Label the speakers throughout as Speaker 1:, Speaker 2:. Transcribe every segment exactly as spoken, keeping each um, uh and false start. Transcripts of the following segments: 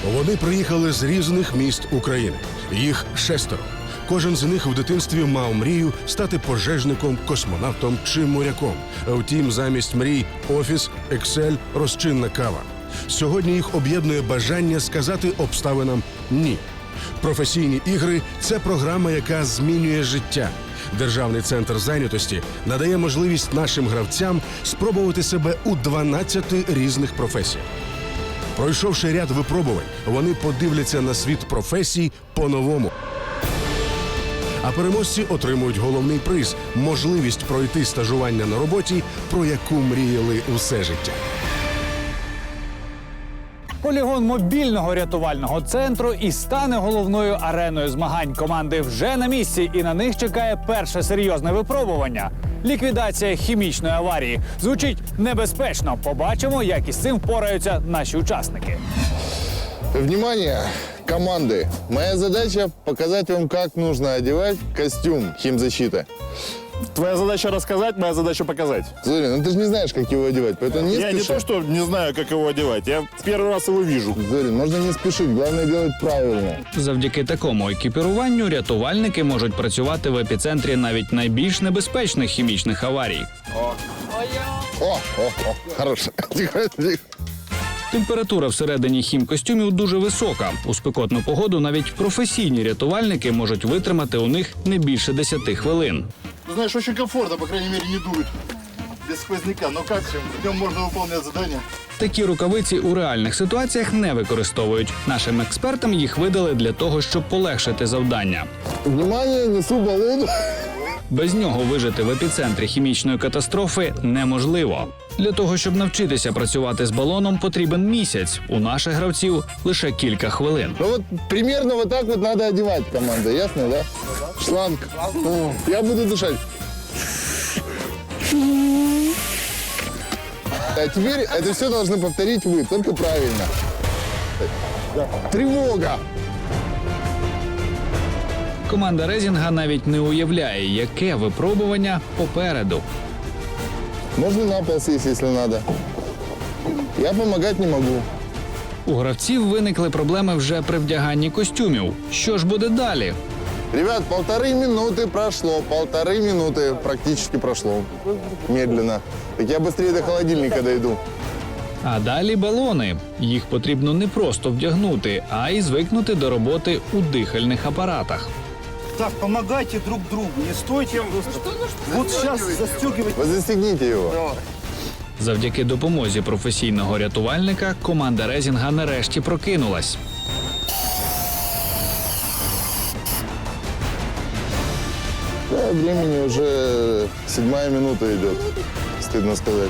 Speaker 1: Вони приїхали з різних міст України. Їх шестеро. Кожен з них в дитинстві мав мрію стати пожежником, космонавтом чи моряком. Втім, замість мрій – офіс, Excel, розчинна кава. Сьогодні їх об'єднує бажання сказати обставинам «ні». Професійні ігри – це програма, яка змінює життя. Державний центр зайнятості надає можливість нашим гравцям спробувати себе у дванадцяти різних професіях. Пройшовши ряд випробувань, вони подивляться на світ професій по-новому. А переможці отримують головний приз – можливість пройти стажування на роботі, про яку мріяли усе життя.
Speaker 2: Полігон мобільного рятувального центру і стане головною ареною змагань. Команди вже на місці, і на них чекає перше серйозне випробування – ліквідація хімічної аварії. Звучить небезпечно. Побачимо, як із цим впораються наші учасники.
Speaker 3: Внимание, команды! Моя задача – показать вам, как нужно одевать костюм химзащиты.
Speaker 4: Твоя задача рассказать, моя задача показать.
Speaker 3: Зорин, ну ты же не знаешь, как его одевать, поэтому не
Speaker 4: Я
Speaker 3: спеши.
Speaker 4: не то, что не знаю, как его одевать. Я первый раз его вижу.
Speaker 3: Зорин, можно не спешить, главное делать правильно.
Speaker 5: Завдяки такому екіпіруванню рятувальники можуть працювати в епіцентрі навіть найбільш небезпечних хімічних аварій.
Speaker 3: О, о, о, хорошо. Тихо, тихо.
Speaker 5: Температура всередині хімкостюмів дуже висока. У спекотну погоду навіть професійні рятувальники можуть витримати у них не більше десяти хвилин.
Speaker 4: Ну, знаешь, очень комфортно, по крайней мере, не дует. Без сквозняка. Но как? В нем можно выполнять задания.
Speaker 5: Такі рукавиці у реальних ситуаціях не використовують. Нашим експертам їх видали для того, щоб полегшити завдання.
Speaker 3: Внимание, несу баллон.
Speaker 5: Без нього вижити в епіцентрі хімічної катастрофи неможливо. Для того, щоб навчитися працювати з балоном, потрібен місяць. У наших гравців лише кілька хвилин.
Speaker 3: Ну вот примерно вот так вот надо одевать, команда, ясно, да? Шланг. О, я буду дышать. А теперь это все должны повторить вы, только правильно. Тревога!
Speaker 5: Команда Резінга навіть не уявляє, яке випробування попереду.
Speaker 3: Можно на пол сесть, если надо. Я помогать не могу.
Speaker 5: У гравців виникли проблеми вже при вдяганні костюмів. Що ж буде далі?
Speaker 3: Ребят, полторы минуты прошло, полторы минуты практически прошло. Медленно. Так я быстрее до холодильника дойду.
Speaker 5: А далі балони. Їх потрібно не просто вдягнути, а й звикнути до роботи у дихальних апаратах.
Speaker 6: Так, помогайте друг другу, не стойте. Вот сейчас застегивайте.
Speaker 3: Вы застегните его.
Speaker 5: Завдяки допомозі професійного рятувальника команда Резінга нарешті прокинулась.
Speaker 3: Да, времени уже седьмая минута идет, стыдно сказать.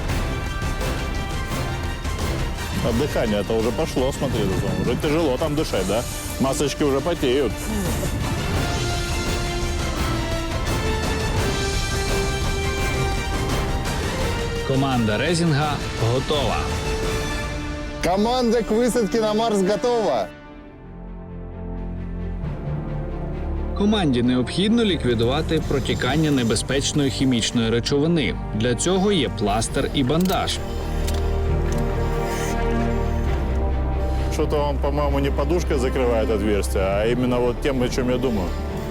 Speaker 4: А дыхание это уже пошло, смотри. Уже тяжело там дышать, да? Масочки уже потеют.
Speaker 5: Команда Резінга готова.
Speaker 3: Команда к высадке на Марс готова.
Speaker 5: Команді необхідно ліквідувати протікання небезпечної хімічної речовини. Для цього є пластир і бандаж.
Speaker 4: Что-то он, по-моему, не подушкой закрывает отверстие, а именно вот тем, о чем я думаю.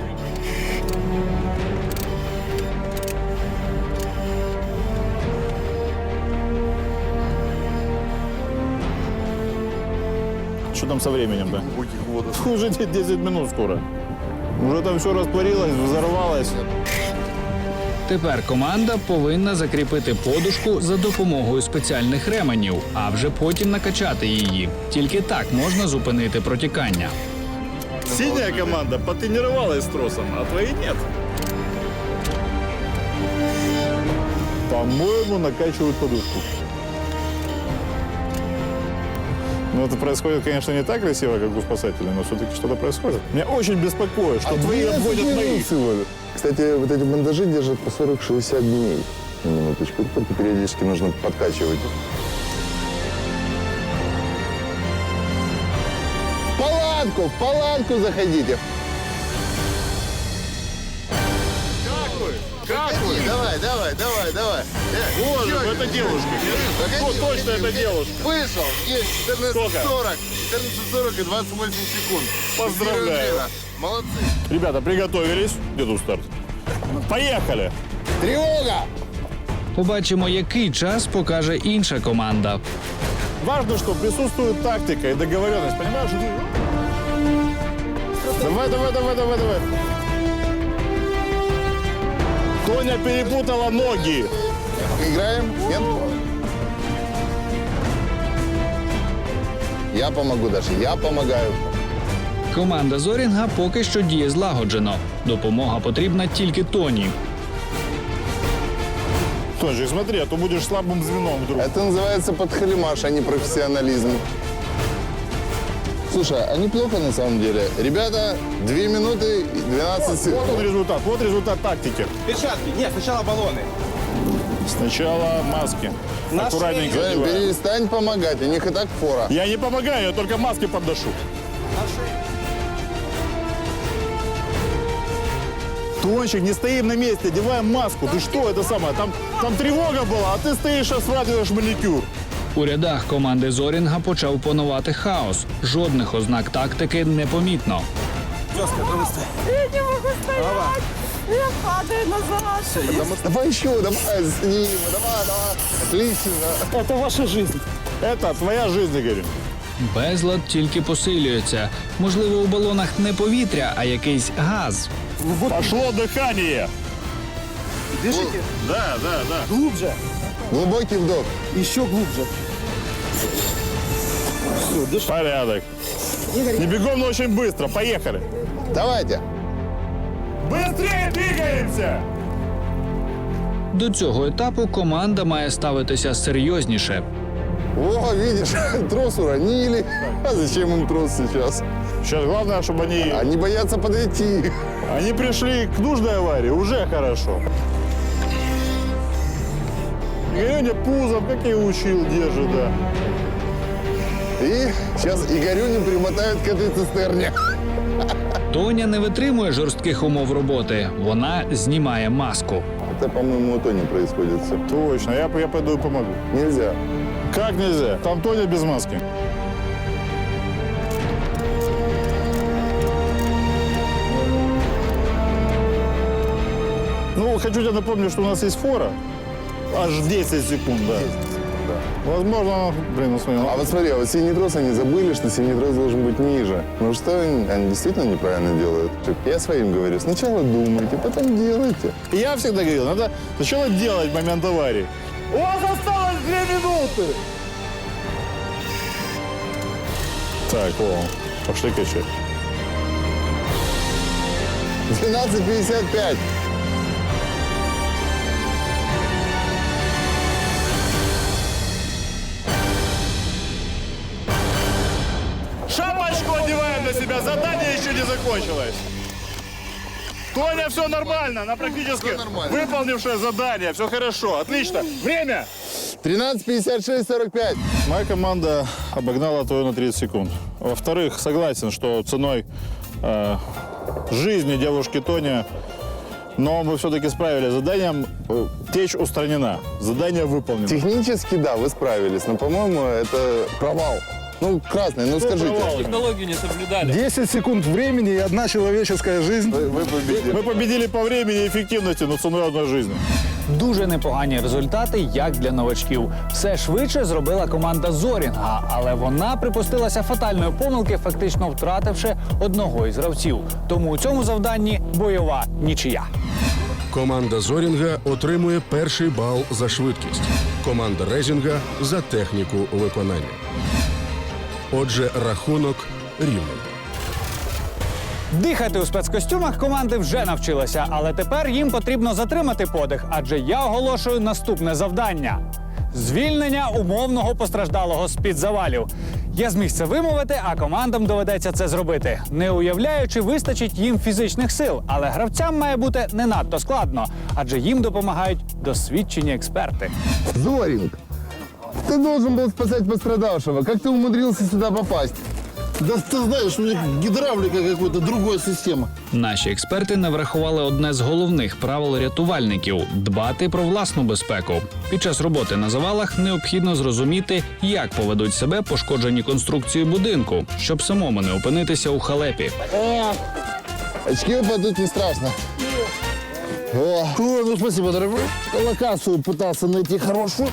Speaker 4: Что там со временем-то? Уже десять минут скоро. Уже там все растворилось, взорвалось.
Speaker 5: Тепер команда повинна закріпити подушку за допомогою спеціальних ременів, а вже потім накачати її. Тільки так можна зупинити протікання.
Speaker 4: Синяя команда потренировалась с тросом, а твои нет. По-моему, накачивают подушку. Ну, это происходит, конечно, не так красиво, как у спасателей, но все-таки что-то происходит. Меня очень беспокоит, что твои обходят моих.
Speaker 3: Кстати, вот эти бандажи держат по сорок-шестьдесят дней. На минуточку, только периодически нужно подкачивать. В палатку, в палатку заходите.
Speaker 4: Как вы? Как вы?
Speaker 3: Давай, давай, давай, давай.
Speaker 4: Боже, ну это девушка. Вот точно это девушка.
Speaker 3: Вышел, есть четырнадцать
Speaker 4: Сколько?
Speaker 3: сорок. четырнадцать сорок и двадцать восемь секунд.
Speaker 4: Поздравляю.
Speaker 3: Молодцы.
Speaker 4: Ребята, приготовились. Где тут старт? Поехали.
Speaker 3: Тревога!
Speaker 5: Побачимо, який час покаже інша команда.
Speaker 4: Важно, что присутствует тактика и договоренность. Понимаешь? Давай, давай, давай, давай, давай. Тоня перепутала ноги.
Speaker 3: Играем? Нет? Я помогу, Даша, я помогаю.
Speaker 5: Команда Зорінга поки що діє злагоджено. Допомога потрібна тільки Тоні.
Speaker 4: Тончик, смотри, а то будешь слабым звеном вдруг.
Speaker 3: Это называется подхалимаш, а не профессионализм. Слушай, а неплохо на самом деле. Ребята, две минуты и двенадцать
Speaker 4: Вот
Speaker 3: секунд.
Speaker 4: он результат, вот результат тактики.
Speaker 6: Перчатки. Нет, сначала баллоны.
Speaker 4: Сначала маски.
Speaker 6: На
Speaker 4: Аккуратненько
Speaker 3: Займ,
Speaker 4: надеваем.
Speaker 3: перестань помогать, у них и так фора.
Speaker 4: Я не помогаю, я только маски подношу. Тончик, не стоим на месте, одеваем маску. Ты что, это самое? Там, там тревога была, а ты стоишь, осваиваешь маникюр.
Speaker 5: У рядах команди Зорінга почав панувати хаос. Жодних ознак тактики не помітно.
Speaker 6: Жестко, быстро.
Speaker 7: Я не могу стоять. Я падаю назад.
Speaker 3: Давай еще, давай, с ним, давай, давай. Отлично.
Speaker 6: Это ваша жизнь.
Speaker 4: Это твоя жизнь, Игорь.
Speaker 5: Безлад тільки посилюється. Можливо, у балонах не повітря, а якийсь газ.
Speaker 4: Пошло дыхание.
Speaker 6: Дышите.
Speaker 4: Да, да, да.
Speaker 6: Глубже.
Speaker 3: Глубокий вдох.
Speaker 6: Еще глубже. Все, дыши.
Speaker 4: Порядок. Не бегом, но очень быстро. Поехали.
Speaker 3: Давайте.
Speaker 4: Быстрее двигаемся!
Speaker 5: До цього етапу команда має ставитися серйозніше.
Speaker 3: О, видишь, трос уронили. А зачем им трос сейчас?
Speaker 4: Сейчас главное, чтобы они,
Speaker 3: Они боятся подойти.
Speaker 4: они пришли к нужной аварии. Уже хорошо. Игорёня пузом, как я и учил, держит, да.
Speaker 3: И сейчас Игорюню примотают к этой цистерне.
Speaker 5: Тоня не витримує жорстких умов роботи. Вона знімає маску.
Speaker 3: Это, по-моему, у Тони происходит все.
Speaker 4: Точно, я, я пойду и помогу.
Speaker 3: Нельзя.
Speaker 4: Как нельзя? Там Тоня без маски. Ну, хочу тебе напомнить, что у нас есть фора. Аж десять секунд, да. Возможно, блин, ну смотри, ну,
Speaker 3: А вот смотри, а вот синий трос они забыли, что синий трос должен быть ниже. Ну что они, они действительно неправильно делают? Я своим говорю, сначала думайте, потом делайте.
Speaker 4: я всегда говорил, надо сначала делать в момент аварии. У вас осталось две минуты! Так, о, пошли качать.
Speaker 3: двенадцать пятьдесят пять.
Speaker 4: Шапочку одеваем на себя, задание еще не закончилось. Тоня, все нормально, она практически
Speaker 3: Всё нормально.
Speaker 4: выполнившая задание, все хорошо, отлично. Время!
Speaker 3: тринадцать пятьдесят шесть сорок пять.
Speaker 4: Моя команда обогнала Тою на тридцать секунд. Во-вторых, согласен, что ценой э, жизни девушки Тони, но мы все-таки справились с заданием. Э, Течь устранена, задание выполнено.
Speaker 3: Технически, да, вы справились, но, по-моему, это провал. Ну, красный, ну скажите.
Speaker 4: провал?
Speaker 8: десять секунд времени и одна человеческая жизнь.
Speaker 3: Вы, вы победили.
Speaker 4: Мы победили по времени и эффективности, но ценой одной жизни.
Speaker 2: Дуже непогані результати, як для новачків. Все швидше зробила команда Зорінга, але вона припустилася фатальної помилки, фактично втративши одного із гравців. Тому у цьому завданні бойова нічия.
Speaker 1: Команда Зорінга отримує перший бал за швидкість. Команда Резінга за техніку виконання. Отже, рахунок рівний.
Speaker 2: Дихати у спецкостюмах команди вже навчилися, але тепер їм потрібно затримати подих, адже я оголошую наступне завдання – звільнення умовного постраждалого з-під завалів. Я зміг це вимовити, а командам доведеться це зробити. Не уявляю, чи вистачить їм фізичних сил, але гравцям має бути не надто складно, адже їм допомагають досвідчені експерти.
Speaker 3: Зоринг, ты должен был спасать пострадавшего. Как ты умудрился сюда попасть?
Speaker 9: Да ты знаешь, у них гидравлика какой-то, другая система.
Speaker 5: Наші експерти не врахували одне з головних правил рятувальників – дбати про власну безпеку. Під час роботи на завалах необхідно зрозуміти, як поведуть себе пошкоджені конструкції будинку, щоб самому не опинитися у халепі.
Speaker 3: Очки упадут, не страшно. О,
Speaker 9: О, ну спасибо, дорогой. Локацию пытался найти хорошую.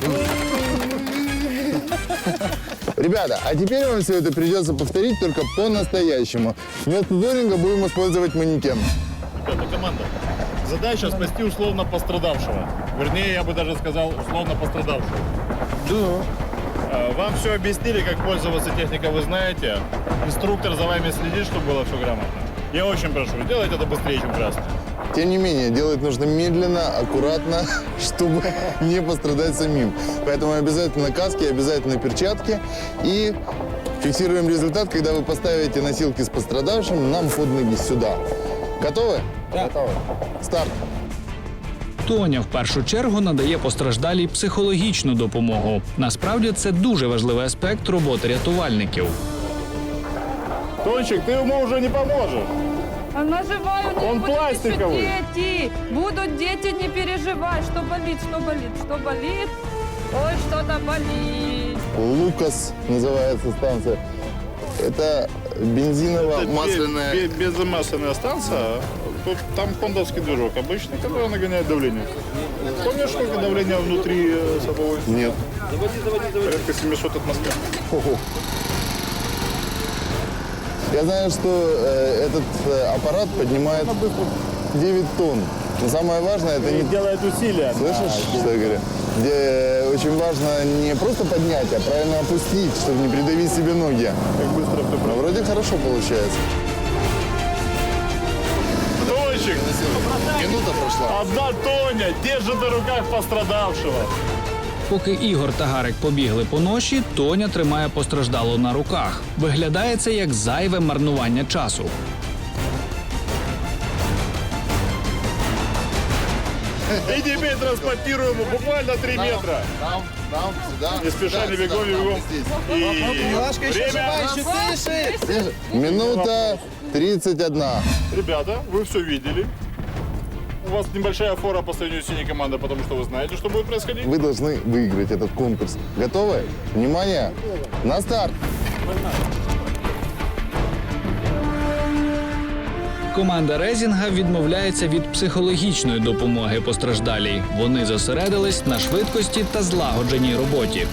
Speaker 3: ребята, а теперь вам все это придется повторить только по-настоящему. Вместо зоринга будем использовать манекен.
Speaker 4: Ребята, команда, задача спасти условно пострадавшего. Вернее, я бы даже сказал, условно пострадавшего. Да. Вам все объяснили, как пользоваться техникой, вы знаете. Инструктор за вами следит, чтобы было все грамотно. Я очень прошу, делайте это быстрее, чем красно.
Speaker 3: Тем не менее, делать нужно медленно, аккуратно, чтобы не пострадать самим. Поэтому обязательно каски, обязательно перчатки. И фиксируем результат, когда вы поставите носилки с пострадавшим нам под ноги сюда. Готовы?
Speaker 2: Да.
Speaker 3: Готовы. Старт.
Speaker 5: Тоня в першу чергу надає постраждалій психологічну допомогу. Насправді це дуже важливий аспект роботи рятувальників.
Speaker 4: Тончик, ты ему уже не поможешь.
Speaker 7: Она живая, у нее
Speaker 4: Он
Speaker 7: будут
Speaker 4: пластиковый.
Speaker 7: еще дети. Будут дети, не переживай. Что болит, что болит, что болит? Ой, что-то болит.
Speaker 3: Лукас называется станция. Это бензиново-масляная...
Speaker 4: Бе- бе- Безмасляная станция. Тут, там хондовский движок обычный, который нагоняет давление. Помнишь, сколько давления внутри э, садовой?
Speaker 3: Нет.
Speaker 4: Порядка семьсот атмосфер.
Speaker 3: Ого. Я знаю, что э, этот э, аппарат поднимает девять тонн. Но самое важное, это не...
Speaker 4: Делает усилия.
Speaker 3: Слышишь, что я говорю? Где э, очень важно не просто поднять, а правильно опустить, чтобы не придавить себе ноги.
Speaker 4: Как быстро ты
Speaker 3: Но вроде хорошо получается.
Speaker 4: Тончик,
Speaker 3: Минута прошла.
Speaker 4: одна Тоня держит на руках пострадавшего.
Speaker 5: Поки Ігор та Гарик побігли по ноші, Тоня тримає постраждалу на руках. Виглядає це як зайве марнування часу.
Speaker 4: И теперь транспортируем его буквально три метра.
Speaker 3: Там, там, сюда.
Speaker 4: Не спеша, не бегом, не бегом. И время.
Speaker 3: Минута тридцать одна.
Speaker 4: Ребята, вы все видели. У вас небольшая фора по сравнению с синей командой, потому что вы знаете, что будет происходить.
Speaker 3: Вы должны выиграть этот конкурс. Готовы? Внимание! На старт!
Speaker 5: Команда Резінга відмовляється від психологічної допомоги постраждалій. Вони зосередились на швидкості та злагодженій роботі.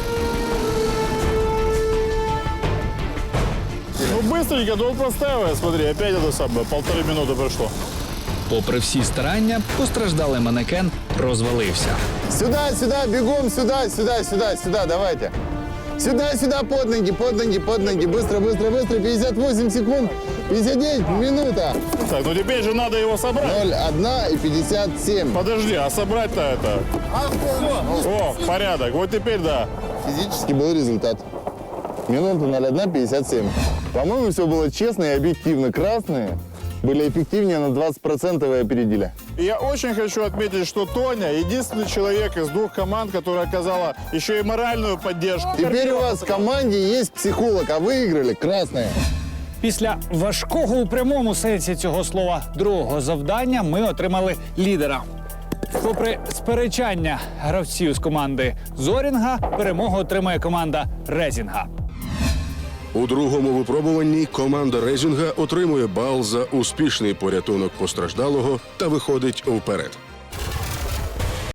Speaker 4: Ну быстренько, да он простаивает, смотри, опять это самое, полторы минуты прошло.
Speaker 5: Попри всі старання, постраждалий манекен розвалився.
Speaker 3: Сюда, сюда, бегом, сюда, сюда, сюда, сюда, давайте. Сюда, сюда, под ноги, под ноги, под ноги. Быстро, быстро, быстро. пятьдесят восемь секунд. пятьдесят девять, минута.
Speaker 4: Так, ну теперь же надо его собрать.
Speaker 3: ноль один и пятьдесят семь.
Speaker 4: Подожди, а собрать-то это... О, порядок, вот теперь да.
Speaker 3: Физически был результат. Минута ноль один пятьдесят семь. По-моему, все было честно и объективно. Красные были эффективнее на двадцать процентов и опередили.
Speaker 4: И я очень хочу отметить, что Тоня единственный человек из двух команд, которая оказала еще и моральную поддержку.
Speaker 3: Теперь у вас в команде есть психолог, а выиграли красные.
Speaker 2: Після важкого у прямому сенсі цього слова другого завдання ми отримали лідера. Попри сперечання гравців з команди Зорінга, перемогу отримає команда Резінга.
Speaker 1: У другому випробуванні команда Резінга отримує бал за успішний порятунок постраждалого та виходить вперед.